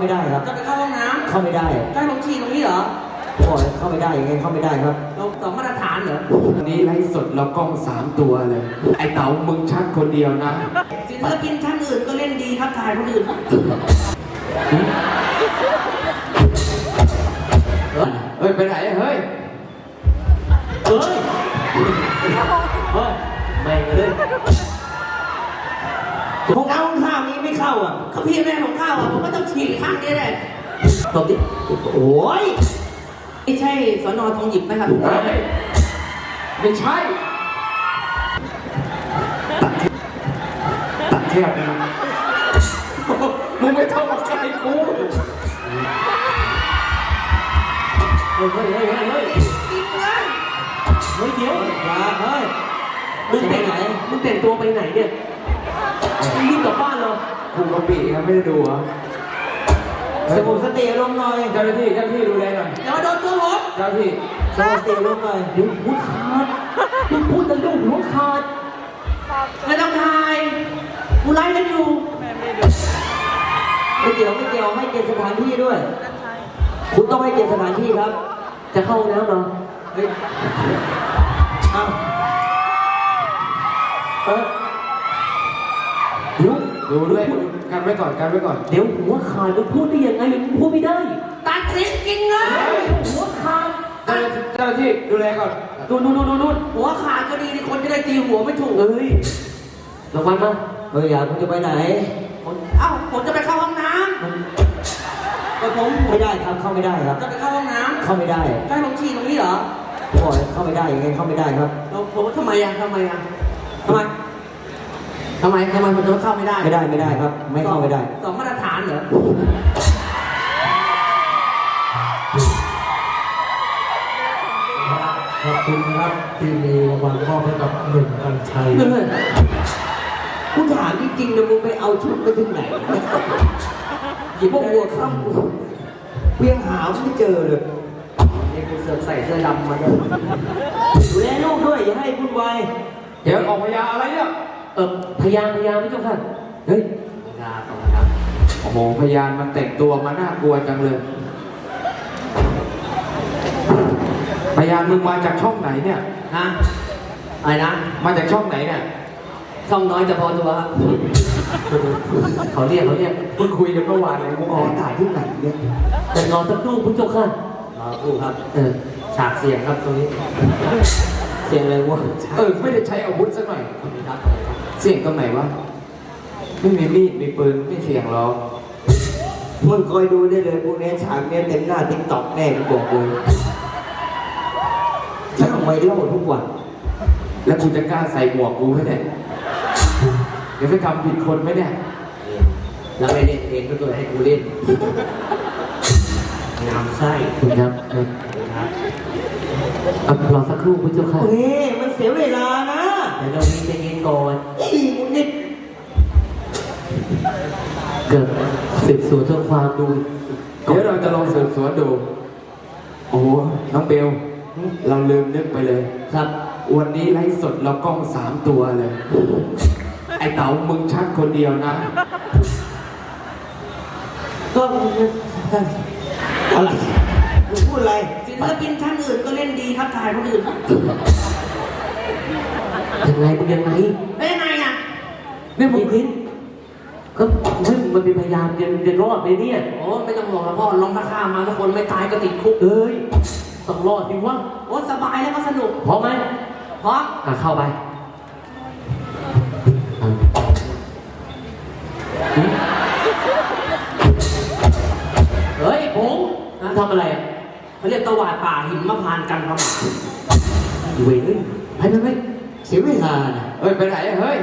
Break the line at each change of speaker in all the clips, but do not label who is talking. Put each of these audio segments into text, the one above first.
ไม่ได้ครับ
จะไปเข้าห้องน้ำ
เข้าไม่ได้
ใกล้ลงฉี่ตรงนี้เหรอ
โอ้ยเข้าไม่ได้ยังไงเข้าไม่ได้ครับ
เราสองมาตรฐานเหรอ
วันนี้ไลฟ์สดเรากล้อง3 ตัวเลยไอ้เต๋ามึงชัดคนเดียวนะ
ศิลปินท่านอื่นก็เล่นดีครับถ่ายคนอื่น
เฮ้ยไปไหนเฮ้ย
เฮ้ยไม่เลยห้องน้ำข้างนี้ไม่เข้าอ่ะ
เขาพี่แม่ของข้าวอ่ะผมก็ต้องฉี่ข้างนี้แหละ
ตบดิโอ้ย
ไม่ใช่สน.ทองหยิบไหมครับ
เฮ้ยไม่ใช่ตัดแคบนะมึงไม่ต้องมาใกล้กู
เฮ้ย
จริงเลย
เดี๋ยวอย่าเฮ้ย
มึงแต่งไหนมึงแต่งตัวไปไหนเนี่ยรีบกลับบ้านเหรอ
กูกะปิครับไม่ได้ดูเหรอ
สงบสติอารมณ์หน่อย
เจ้าหน้าที่ดูแลหน่อย
อย่ามาโดนตัวผม
เจ้าหน้าที่
สงบสติอารมณ์หน่อย
เดี๋ยวหัวขาดมึงพูดจะลูกหัวขาดไม่ต้องถ่ายกูไล่กันอยู่
ไม่เกี่ยวให้เกียรติสถานที่ด้วยคุณต้องให้เกียรติสถานที่ครับ
จะเข้าน้ำเหรอ
เฮ้ยอ้าว
เดี๋ยวดูด้วยกันไว้ก่อน
เดี๋ยวหัวขาดมึงพูดได้ยังไงมึงพูดไม่ได้ตัดสินกินเงินหัวขาด
เจ้าหน้าที่ดูแลก่อน
นู่นหัวขาดก็ดีที่คนจะได้ตีหัวไม่ถูกระวังมา
อยากคุณจะไปไหน
ผมจะไปเข้าห้องน้ำ
ก็ผมไม่ได้ครับเข้าไม่ได้ครับ
จะไปเข้าห้องน้ำ
เข้าไม่ได้
ใกล้ลงฉี่ตรงนี้เหรอ
โอ้ยเข้าไม่ได้ยังไงเข้าไม่ได้ครับ
ผมทำไมผมจะเข้าไม่ได้
ไม่ได้ครับไม่เข้าไม่ได้
สองมาตรฐานเหรอ
ขอบคุณครับที่มีรางวัลมอบให้กับหนุ่มกัญชัย
กูถามจริงๆนะมึงไปเอาชุดไปถึงไหนหยิบพวกวัวข้ามเพียงหาไม่เจอเลย
นี่กูเสือกใส่เสื้อดำมาด้วย
ดูแลลูกด้วยอย่าให้วุ่นวาย
เดี๋ยวออกพยาอะไรเนี่ย
พยานไม่ต้องค่ะ
เฮ้ยพยานโอ้โหพยานมันแต่งตัวมาน่ากลัวจังเลยพยานมึงมาจากช่องไหนเนี่ย
ฮะอะไรนะ
มาจากช่องไหนเนี่ย
ช่องน้อยจะพอตัวครับเขาเรียก
เพิ่งคุยกันเมื่อวานเลย
มึงออกถ่ายที่ไหนเนี่ย
แต่รอสักครู่คุณเจ้าค่ะ
ครู่ครับ
ฉากเสียงครับตรงนี้
เสียงอะไรวะ
ไม่ได้ใช้อาวุธสักหน่อยเสียงตรงไหนวะไม่มีมีดมีปืนไม่เสียงหรอก
มึงคอยดูได้เลยพวกนี้ฉากนี้เต็มหน้าติ๊กต็อกแน่กูบอกเลยฉันเอาไว้เล่าทุกวัน
แล้วกูจะกล้าใส่หมวกกูไหมเนี่ยเดี๋ยวไปทำผิดคนไหมเนี่ย
แล้วไม่เล่นเองก็ตัวให้กูเล่นงามไส้
คุณครับรอสักครู่คุณเจ้าค่ะ
เฮ้ยมันเสียเวลานะ
เดี๋ยวเรามีใจเย็นก่อน
นิด
เกิดสืบสวนเพื่อความดู
เดี๋ยวเราจะลองสืบสวนดูโอ้น้องเบลเราลืมนึกไปเลย
ครับ
วันนี้ไลฟ์สดเรากล้อง3 ตัวเลยไอ้เต๋ามึงชัดคนเดียวนะ
ก็อะไรมึงพูดอะไร
ศิลปินท่านอื่นก็เล่นดีครับถ่ายคนอื่นยังไงเป็นยังไงอ่ะ
นี่มึง
พินก็มันเป็นพยายามจะรอดเลยเนี่ยโอ้ไม่ต้องห่วงแล้วพ่อลองมาฆ่ามาทุกคนไม่ตายก็ติดคุกต้องรอดสิวะโอ้สบายแล้วก็สนุกพร้อมไหมพร้อมเข้าไปเฮ้ยผมทำอะไรอ่ะเขาเรียกตวาดป่าหิมพานต์กันประมาณเว้ยไป
เสียเวลานะ
ไปไหนเฮ้ย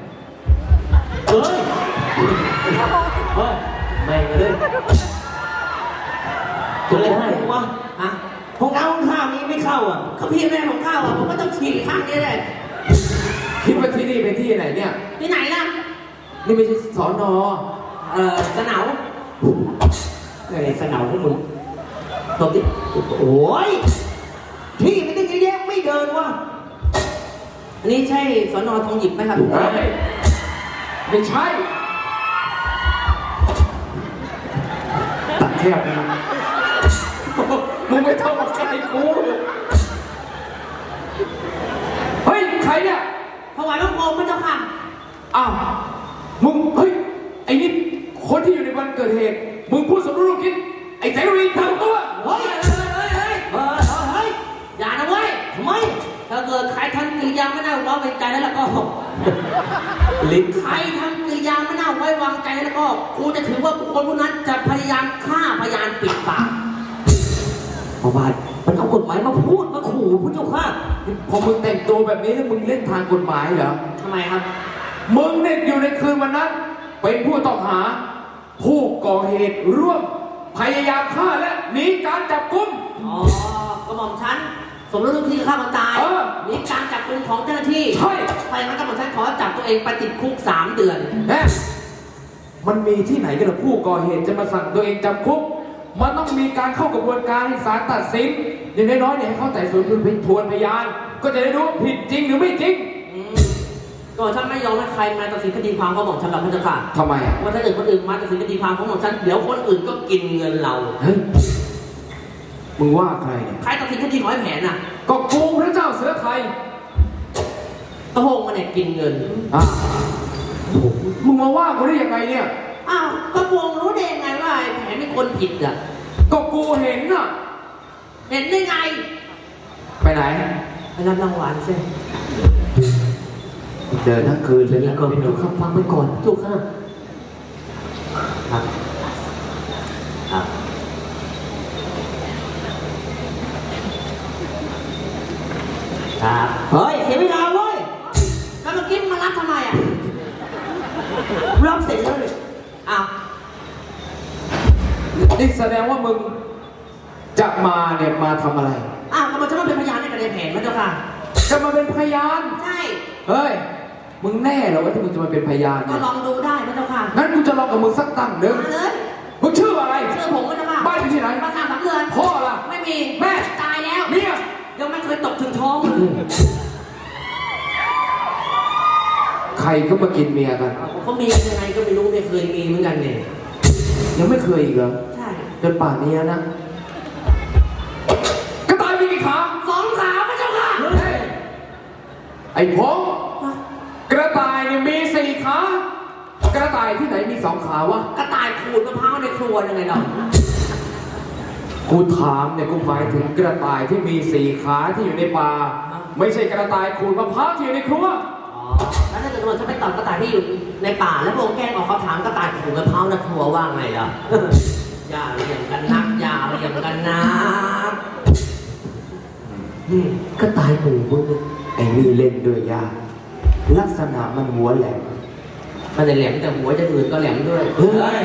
ไม่เลย
จะเลยให้วะห้องน้ำข้างนี้ไม่เข้าอ่ะ
เขาพี่แม่ของข้าวอ่ะผมก็ต้องฉี่ข้างนี้แหละ
คิดว่าที่นี่เป็นที่ไหนเนี่ย
ที่ไหนล่ะ
นี่ไม่ใช่สน.
สนาม
อะไรสนามพวกมึงตบดิโอ้ยที่ไม่ต้องแยกไม่เดินวะ
อันนี้ใช่สน.ทองหยิบไหมครับ
ไม่ใช่บๆนะมึงไม่ต้องมาใกล้กูเฮ้ยใครเนี่ย
ถวายบังคมพระเจ้าค่ะ
อ้าวมึงเฮ้ยไอ้นี่คนที่อยู่ในวันเกิดเหตุมึงพูดสมรู้ร่วมคิดไอ้แสงรีทำตัว
เฮ้ยอย่านะเว้ยทำไมถ้าเกิดใครทำกิริยาไม่น่าไว้วางใจแล้วก็
ลิ้น
ใครทำกิริยาไม่น่าไว้วางใจแล้วก็กูจะถือว่าบุคคลผู้นั้นจะพยายามฆ่าพยานปิดปาก
พอบาทมันเอากฎหมายมาพูดมาขู่พระเจ้าค่ะ
พอมึงแต่งตัวแบบนี้แล้วมึงเล่นทางกฎหมายเหรอ
ทำไมครับ
มึงเนี่ยอยู่ในคืนวันนั้นเป็นผู้ต้องหา ผู้ก่อเหตุร่วมพยายามฆ่าและหนีการจับกุม
อ๋อกระหม่อมฉันสมรู้ร่วมคิดฆ่าคนตาย
เออ
หนีการจับกุมของเจ้าหน้าที่
ใช่
ไปงั้นกระหม่อมฉันขอจับตัวเองไปติดคุก3 เดือน
แน่มันมีที่ไหนกันล่ะผู้ก่อเหตุจะมาสั่งตัวเองจำคุก มันต้องมีการเข้ากระบวนการให้ศาลตัดสินอย่างน้อยๆเนี่ยให้เข้าไต่สวนทวนพยาน ก็จะได้รู้ผิดจริงหรือไม่จริง
ก็ฉันไม่ยอมให้ใครมาตัดสินคดีความของหม่อมฉันหรอกพระเจ้าค่ะ
ทำไมอ่ะ
ว่าถ้าเกิดคนอื่นมาตัดสินคดีความของหม่อมฉันเดี๋ยวคนอื่นก็กินเงินเรา
เฮ้ยมึงว่าใครเนี่ย
ใครตัดสินคดีของไอ้แผนน่ะ
ก็กูพระเจ้าเสือไทย
ตะโฮงมาเนี่ยกินเงิน
อ่ะมึงมาว่ากูได้ยังไงเนี่ย
อ้าวก็วงรู้ได้ยังไงว่าไอ้แผนเป็นคนผิดอ่ะ
ก็กูเห็นน่ะ
เห็นได้ไง
ไปไหน
ไปรับรางวัลสิ
เดินทั้งคืนเลย
นี่
นะ
ก่อนพี่หนูครับฟังไปก่อนจุกค่ะครับครับครับ
เฮ้ยเสียเวลาเว้ย
แล้วเมื่อกี้มารับทำไมอ่ะ
รับเสร็จแล้วเลย
อ้าว
นี่แสดงว่ามึงจะมาเนี่ยมาทำอะไร
อ้าวก็มันจะมาเป็นพยานในคดีแผนพระเจ้าค่ะ
จะมาเป็นพยาน
ใช่
เฮ้ย มึงแน่เหรอว่าที่มึงจะมาเป็นพยาน
ก็
เนี่ย
ลองดูได้พระเจ้าค่ะ
งั้นกูจะลองกับมึงสักตั้งหนึ่ง
มาเลย
มึงชื่ออะไร
เชื่อผมพระเจ้าค่ะ
บ้านอยู่ที่ไหน
มาทางสำเรือน
พ่อล่ะ
ไม่มี
แม่
ตายแล้ว
เมีย
ยังไม่เคยตกถึงท้องเลย
ใครก็มากินเมียกัน
เขามียังไงก็ไม่รู้ไม่เคยมีเหมือนกันเนี่ย
ยังไม่เคยอีกเหรอ
ใช่
จนป่านนี้แล้วนะ กระต่ายมีกี่ขา
2 ขาพระเจ้าค่ะ
เฮ้ยไอ้พงกระต่ายเนี่ยมี4 ขา กระต่ายที่ไหนมี2 ขาวะ
กระต่ายขูดมะพร้าวในครัวยังไงเรา
กูถามเนี่ยกูหมายถึงกระต่ายที่มี4 ขาที่อยู่ในป่า ไม่ใช่กระต่ายขูดมะพร้าวที่อยู่ในครัว
อ๋อแล้วถ้าเกิดว่าฉันไปตอบกระต่ายที่อยู่ในป่าแล้วพระองค์แกล้งออกเขาถามกระต่ายขูดมะพร้าวในครัวว่าไงล่ะ อย่าเรียงกันนักอย่าเรียงกันนัก
ก็ตายหมู่มึง
ไอ้นี่เล่นด้วยยากลักษณะมันหัวแหลม
มันจะแหลมแต่หัวจะอื่นก็แหลมด้วย
เฮ้ย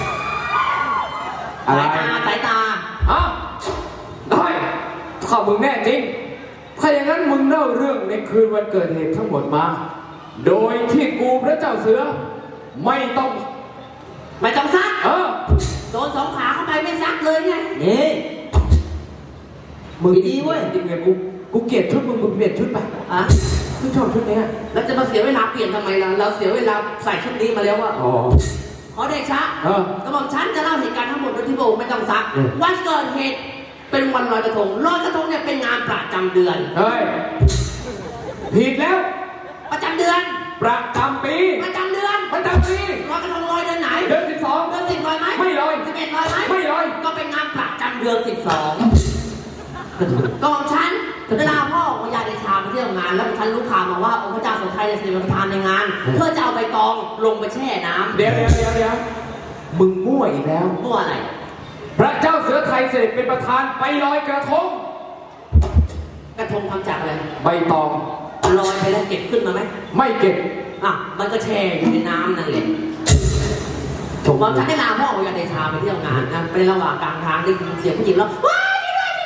อะไร
สายตา
อ่ะได้ถ้ามึงแน่จริง ถ้าอย่างนั้นมึงเล่าเรื่องในคืนวันเกิดเหตุทั้งหมดมา โดยที่กูพระเจ้าเสือ ไม่ต้อง
ไม่ต้องซัก โดน2 ขาเข้าไปไม่ซักเลยไง
นี่
มึง
ดีเว้ย
จริงๆเนี่ยกูเกลียดชุดมึงเปลี่ยนชุดไป
อ่ะ
มึงชอบชุดเนี้ย
แล้วจะมาเสียเวลาเปลี่ยนทำไมล่ะเราเสียเวลาใส่ชุดนี้มาแล้วอะ
อ๋อ
ขอเดชะ
เออ
กระบอกฉันจะเล่าเหตุการณ์ทั้งหมดโดยที่พระองค์ไม่ต้องซัก วันเกิดเหตุเป็นวันลอยกระทงลอยกระทงเนี่ยเป็นงานประจำเดือน
เฮ้ย ผิดแล้ว
ประจำเดือน
ประจำปี
ประจำเดือน
ประจำปี
ลอยกระทงลอยเดือนไหน
เดือน
เดือน10ลอยไหม
ไม่ลอย
11ลอยไหม
ไม่ลอย
ก็เป็นงานประจำเดือน12กองฉันเวลาพ่อพญาเดชาไปเที่ยวงาน แล้วฉันรู้ข่าวมาว่าองค์พระเจ้าสุทัยเนี่ยเสด็จประธานในงาน เพื่อจะเอาใบตองลงไปแช่น้ำ
เดี๋ยวมึงมั่วอีกแล้ว
มั่วอะไร
พระเจ้าเสือไทยเสด็จเป็นประธานไปลอยกระทง
กระทงทำจากอะไร
ใบตอง
ลอยไปแล้วเก็บขึ้นมาไหม
ไม่เก็บ
อ่ะมันก็แช่อยู่ในน้ำนั่นแหละผมว่าฉันได้ลาพ่อพญาเดชาไปเที่ยวงานนะไประหว่างกลางทางได้ยินเสียงผู้หญิงแล้วว้าย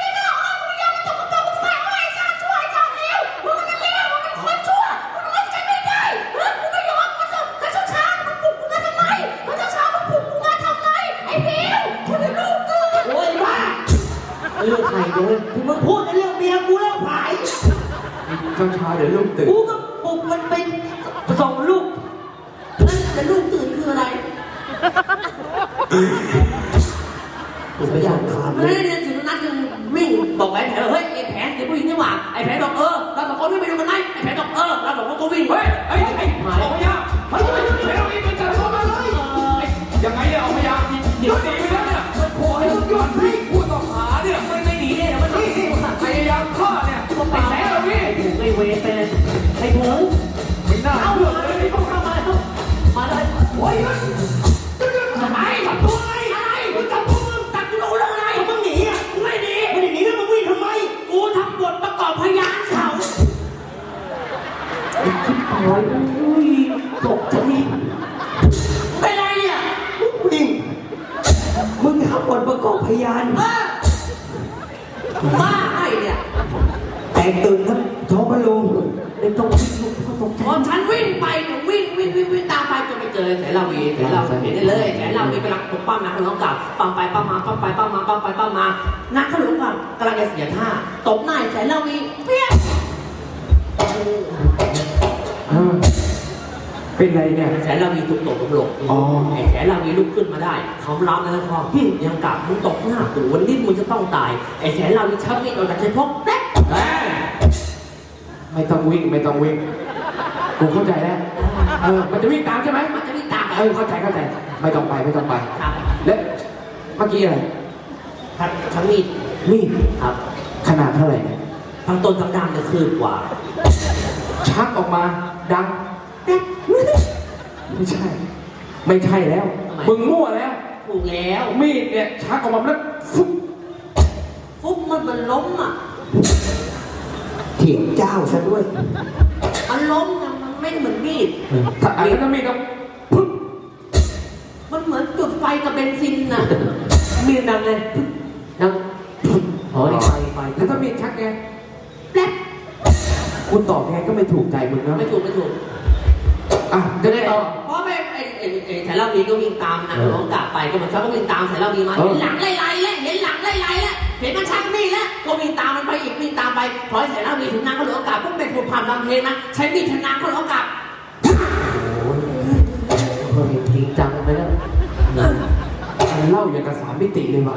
เรื่องใครเนี่ยที่มึงพูดในเรื่องเมียกูเรื่องผาย
ช้าๆเดี๋ยวลูกตื่น
กูก็ปลุกมันไปส่งลูก
แต่ลูกตื่นคืออะไร
สัญญาณขาด
ไม่ได้เรียนสุนัขยังวิ่งบอกไอ้แผนเฮ้ยไอ้แผนเด็กผู้หญิงนี่หว่าไอ้แผนบอกเราสองคนวิ่งไปดูกันไหมไอ้แผนบอกเราสองคนก็วิ่ง
เฮ้ยออกมายังเฮ้ยเราอีกเป็นจับตัวมาเลยยังไงเนี่ยออกมายังเดี๋ยวหนีไปแล้วเนี่ยโอ้ยยอดพี่ผู้ต้องหาเนี่ยมันไม่หนีเนี่ยมันพยายามฆ่าเนี่ยไอ้แสนเราพี่
ไอ้เวรเป็นไอ้หมู
ไม่น่า
เอา
เชื่อ
เล
เลย ย
เข้ามามาเลยโอ้ยทำไมจับตัวอะไรมึงจับตัวมึงจับกูรู้แล้วไงมึงหนีอ่ะไม่หนีไม่ได้หนีแล้วมึงวิ่งทำไมกูทำบทประกอบพยานเขาโอ้ยตกใจเป็นไรเนี่ย
วิ่งมึงทำบทประกอบพยาน
บ้าไอ้เนี่ย
แตกตื่นทั้งท้องพระโรง
ไอ้ตรงพอฉันวิ่งไปวิ่งตามไปจนไปเจอแสนลาวีเห็นได้เลยแสนลาวีกำลังปกปั้มนักขลุ่นกับปั้มไปปั้มมาปั้มไปปั้มมาปั้มไปปั้มมานักขลุ่นกับกำลังจะเสียท่าตบหน้าแสนลาวีเปี้ย
เป็นไรเนี่ย
แสนลาวีถูกตบลงหลงไอ้แสนลาวีลุกขึ้นมาได้เขารับแล้วพอยังกลับมึงตบหน้ากูวันนี้มึงจะต้องตายไอ้แสนลาวีชักมีดออกจากชายพกแป๊ะ
ไม่ต้องวิ่งกูเข้าใจแล้วมันจะวิ่งตามใช่ไหม
มันจะวิ่งตาม
เข้าใจไม่ต้องไป
ครับ
และเมื่อกี้อะไร
ทั้งมีด
มีด
ครับ
ขนาดเท่าไหร่เนี่ย
ทั้งต้นทั้งดำจะคืบกว่า
ชักออกมาดังไม่ใช่แล้ว
ทำไม
มึงมั่วแล้ว
ถูกแล้ว
มีดเนี่ยชักออกมาแล้วฟุ๊บ
ฟุ๊บมันล้มอ่ะ
เถียงเจ้าซะด้วย
มันล้มนะมันไม่เหมือนมีด
ถ้าอันนั้นมีดก็ปุ๊บ
มันเหมือนจุดไฟกับเบนซินน่ะ มีดดังเลยดังอ๋อนี่ไฟ
แล้วถ้ามีดชักไง
แป๊บ
คุณตอบไงก็ไม่ถูกใจมึงนะ
ไม่ถูก
อ่ะจะได้ต่อ
เพราะไม่ไอ้สายเล่าวีก็วิ่งตามนะน้องกลับไปก็เหมือนเขาก็วิ่งตามสายเล่าวีมาเห็นหลังไล่แล้วเห็นหลังไล่แล้วเห็นมันชักมีดแล้วก็วิ่งตามมันไปอีกวิ่งตามไปพอสายเล่าวีถึงนางเขาเหลือโอกาสพวกเป็นผู้พามลำเพลงนะใช้มีดชนะเขาเหลือโอกาสจริงจังไปแล้ว
มันเล่าอย่างกับสามมิติเลยว่ะ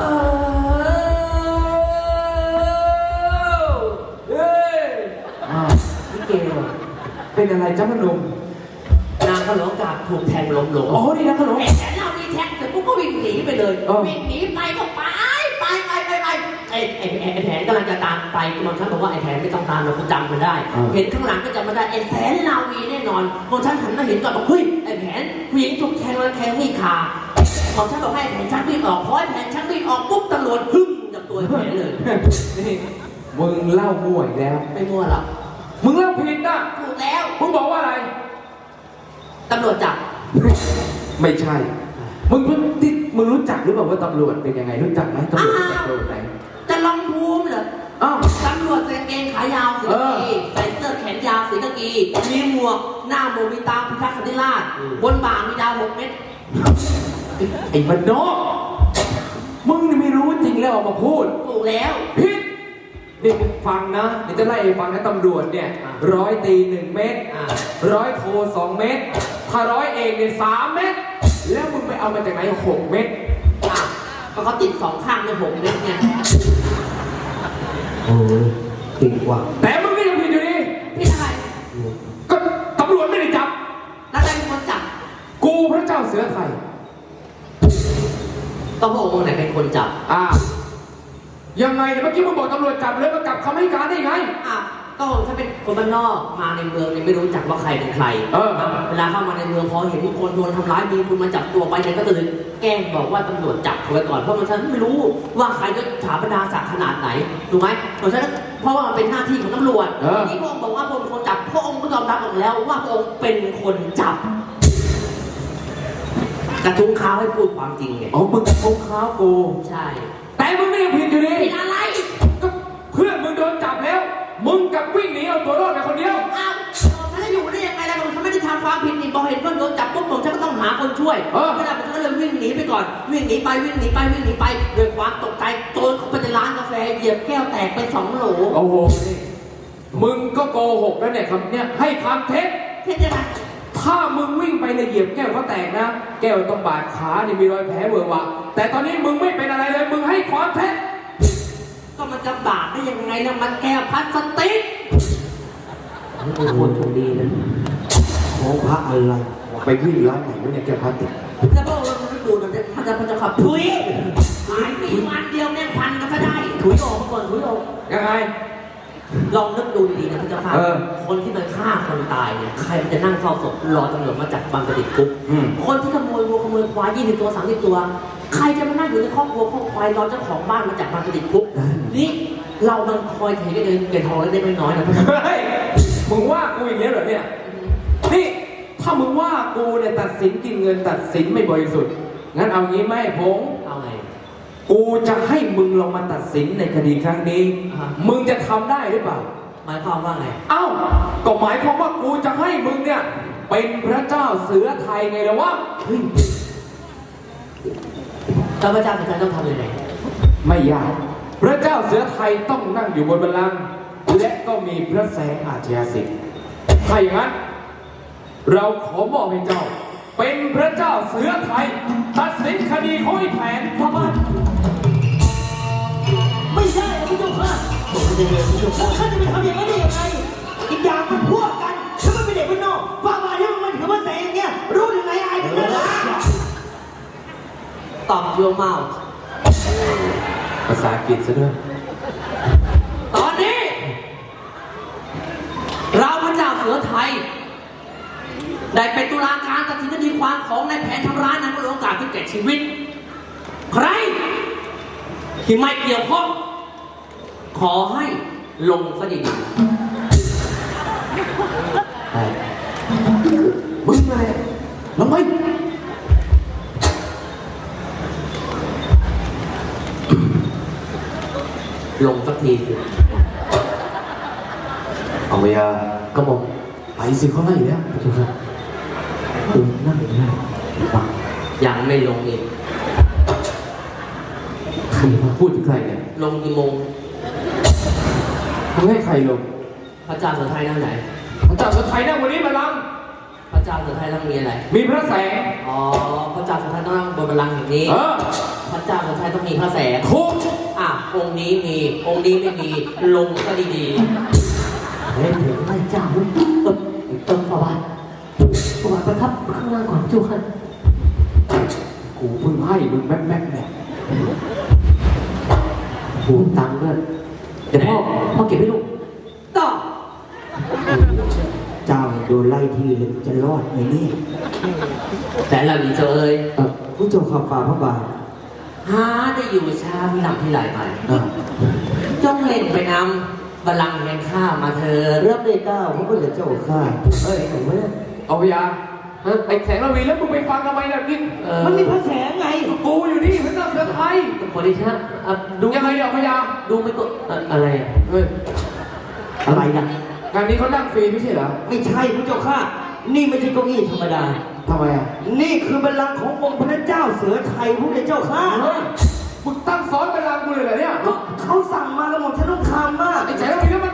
นี่เกล
เป็นอะไรจ้าพนม
นางเขาเหลือโอกาสถูกแทงล้มลง
อ๋อนี่นะขนม
ไอ้แสนเรามีแท็กเสร็จปุ๊บก็วิ่งหนีไปเลย วิ่งหนีไปก็ไปไอ้แผนกำลังจะตามไปมันฉันบอกว่าไอ้แผนไม่ต้องตามเราคุณจำมันได้ เห็นข้างหลังก็จำมันได้ไอ้แสนลาวีแน่นอนของฉันหันมาเห็นก่อนบอกเฮ้ยไอ้แผนผู้หญิงถูกแทงแล้วแทงมีดขาของฉันบอกให้แผนชักมีดออกพอไอ้แผนชักมีดออกปุ๊บตำรวจพึ่งจับตัวไอ้แผนเลย
นี่มึงเล่ามั่วอีกแล้ว
ไม่มั่วหรอก
มึงเล่าผิดนะ
ถูกแล้ว
มึงบอกว่าอะไร
ตำรวจจับ
ไม่ใช่ มึงรู้จักหรือเปล่าว่าตำรวจเป็นยังไงรู้จักไหมตำรวจเป็นตำรวจไหน
จะลองภูมิเหรอ
อ้าว
ตำรวจใส่กางเกงขายาวสีกากีใส่เสื้อแขนยาวสีกากีมีหมวกหน้าโมมีตาพิทักษ์สันติราชบนบ่ามีดาว6 เม็ด
ไอ้บ้านนอกมึงนี่ไม่รู้จริงแล้วออกมาพูด
ถูกแล้ว
ผิดนี่มึงฟังนะเดี๋ยวจะไล่ฟังนะตำรวจเนี่ยร้อยตี1 เม็ดร้อยโท2 เม็ดถ้าร้อยเอกเนี่ย3 เม็ดแล้วมึงไปเอามาจากไหน6 เม็ด
อ่ะก็เขาติด2 ข้างใน6 เม็ดไง
โอ้ยจริงว่ะ
แต่มึงก็ยังผิดอยู่ดี
พี่อะไร
ก็ตำรวจไม่ได้จับ
แล้วใครเป็นคนจับ
กูพระเจ้าเสือไทย
ต้องพระองค์ไหนเป็นคนจับ
ยังไงเนี่ยเมื่อกี้มึงบอกตำรวจจับเลยมากลับคำให้การได้ไง
อ่ะก็ฉันเป็นคนบ้านนอกมาในเมืองเนี่ยไม่รู้จักว่าใครเป็นใคร เวลาเข้ามาในเมืองพอเห็นคนโดนทำร้ายมีคนมาจับตัวไปเนี่ยก็เลยแกล้งบอกว่าตำรวจจับเขาไว้ก่อนเพราะมันฉันไม่รู้ว่าใครจะถาบรรดาศักดิ์ขนาดไหนถูกไหมเพราะว่ามันเป็นหน้าที่ของตำรวจทีนี้พระองค์บอกว่าพระองค์เป็นคนจับพระองค์ก็ยอมรับออกแล้วว่าพระองค์เป็นคนจับกระทุ้งข้าวให้พูดความจริงไง
อ๋อมึงกับพงข้าวกู
ใช่
แต่มึงไม่ยังผิดอยู่ดี
ผิดอะไร
ก็เพื่อนมึงโดนจับแล้วมึงกับวิ่งหนีเอาตัวรอดไปคนเดียว
อ้าวฉันจะอยู่ได้ยังไงล่ะผมฉันไม่ได้ทำความผิดนี่พอเห็นเพื่อนโดนจับปุ๊บผมฉันก็ต้องหาคนช่วยเวลาผมก็เลยวิ่งหนีไปก่อนวิ่งหนีไปด้วยความตกใจโจรเข้าไปในร้านกาแฟเหยียบแก้วแตกไป2 โหล
โอ้โหนี่มึงก็โกหกแล้วเนี่ยคำเนี่ยให้คำเท็จ
เท่ยังไง
ถ้ามึงวิ่งไปในเหยียบแก้วเขาแตกนะแก้วต้องบาดขาเนี่ยมีรอยแผลเวอะวะแต่ตอนนี้มึงไม่เป็นอะไรเลยมึงให้ความเท็จ
ก็มันจะบาปได้ยังไงนะมันแก้วพลาสติก
นี่เป็นคนโชคดีนะ
ของพระอะไร
ไปวิ่งร้านไหนวะเนี่ยแกพลาสติก
แล้วก็เราไม่ดูมันจะขับถุยหายปีวันเดียวเนี่ยพันกันก็ได้
ถุยออกมาก่อนถุยออก
ยังไง
ลองนึกดูดีๆนะพระเจ้าค่ะ
เออ
คนที่มันฆ่าคนตายเนี่ยใครมันจะนั่งเฝ้าศพรอตำรวจมาจับบังกระดิกคุก คนที่ขโมยวัวขโมยควาย20 ตัว 30 ตัว ใครจะมานั่งอยู่ในครอบครัวครอบควายรอเจ้าของบ้านมาจับบังกระดิกคุกนี่เรามันคอยเทกันเองเกินทองแล้วได้ไม่น้อยนะพระเจ้าค่ะ
เฮ้ยมึงว่ากูอย่างนี้เหรอเนี่ยนี่ถ้ามึงว่ากูเนี่ยตัดสินกินเงินตัดสินไม่บริสุทธิ์งั้นเอางี้ไหมพงษ์
เอาไง
กูจะให้มึงลองมาตัดสินในคดีครั้งนี้
อ่าฮะ
มึงจะทำได้หรือเปล่า
หมายความว่าไง
เอ้าก็หมายความว่ากูจะให้มึงเนี่ยเป็นพระเจ้าเสือไทยไงล่ะวะ
แล้วพระเจ้าสุดท้ายต้องทำยังไง
ไม่ยากพระเจ้าเสือไทยต้องนั่งอยู่บนบัลลังก์และก็มีพระแสงอาชญาสิทธิ์ถ้าอย่างนั้น เราขอมอบให้เจ้า เป็นพระเจ้าเสือไทย ตัดสินคดีของไอ้แผน
พระบาทไม่ใช่พระเจ้าค่ะแล้วข้าจะไปทำอย่างนั้นได้ยังไง อีกอย่างมันพวกกันถ้ามันเป็นเด็กบ้านนอกฝ่าบาทที่มันถือว่าแสงเนี่ยรู้ยังไงไอ้เป็นอะไรตอบโยมเมา
ภาษาอังกฤษซะด้วย
ตอนนี้ เราพระเจ้าเสือไทย ได้เป็นตุลาการตัดสินคดีความของนายแผนทำร้ายนางโอกาสที่แก่ชีวิต ใคร ที่ไม่เกี่ยวข้องขอให้ลงคดีมึงอะไรลงไปลงสักทีสิ
เอาไปยา
ก็บอก
ไปสิเขาไล่แล้ว
ถูกครับคุณนั่งอยู่นั่นฟัง
ยังไม่ลงอีก
ใครมา
พูดถึงใครเนี่ย
ลงกี่โมง
มึงให้ใครลง
พระเจ้าเสือไทยนั่งไหน
พระเจ้าเสือไทยนั่งวันนี้บัลลังก์
พระเจ้าเสือไทยต้องมีอะไร
มีพระแสง
อ๋อ พระเจ้าเสือไทยต้องนั่งบนบัลลังก์แห่งนี้
เออ
พระเจ้าเสือไทยต้องมีพระแสง
ทุก
อ่ะ องค์นี้มี องค์นี้ไม่มี ลงก็ดี
เฮ้ยถึงไล่เจ้าเติมฝาบาทฝาบาทประทับข้างล่างก่อนจุกัน
กูเพิ่งให้มึงแม่ๆเนี่ย
หูตังค์ด้วยเดี๋ยวพ่อเก็บให้ลูก
ๆต่อ
เจ้าโดนไล่ที่เลยจะรอดไหมเนี่ย
แต่เราดีเจอเอ้ย
ผู้เจ้าข่าฝ่าพระบาท
หาได้อยู่ช้าพี่หลังพี่ไหลไปจงเล่นไปนำบัลลังก์แห่งข้ามาเถิด
รับได้เก้าพระพุทธเจ้าข้า
เฮ้ยผมไม่ได้
เอาไปยาไอ้แสงระวีแล้วมึงไปฟังทำไมล่ะนี่
มันมีพระแสงไง
กูอยู่นี่พระเจ้าเสือไทย
ขอดิฉันดู
ยังไงเนี่ยพยา
ดูไม่ก็อะไร
เฮ้ย
อะไรนะ
งานนี้เขานั่งฟรีไม่ใช่เหรอ
ไม่ใช่พระเจ้าข้านี่ไม่ใช่เก้าอี้ธรรมดา
ทำไมอ่ะ
นี่คือบัลลังก์ขององค์พระเจ้าเสือไทยพระพุทธเจ้าข้า
มึงตั้งซ้อนบัลลังก์กูเลยเหรอเนี่ย
ก็เขาสั่งมาแล้วหมดฉันต้องทำมาก
ไอ้แสงระวีแล้วมัน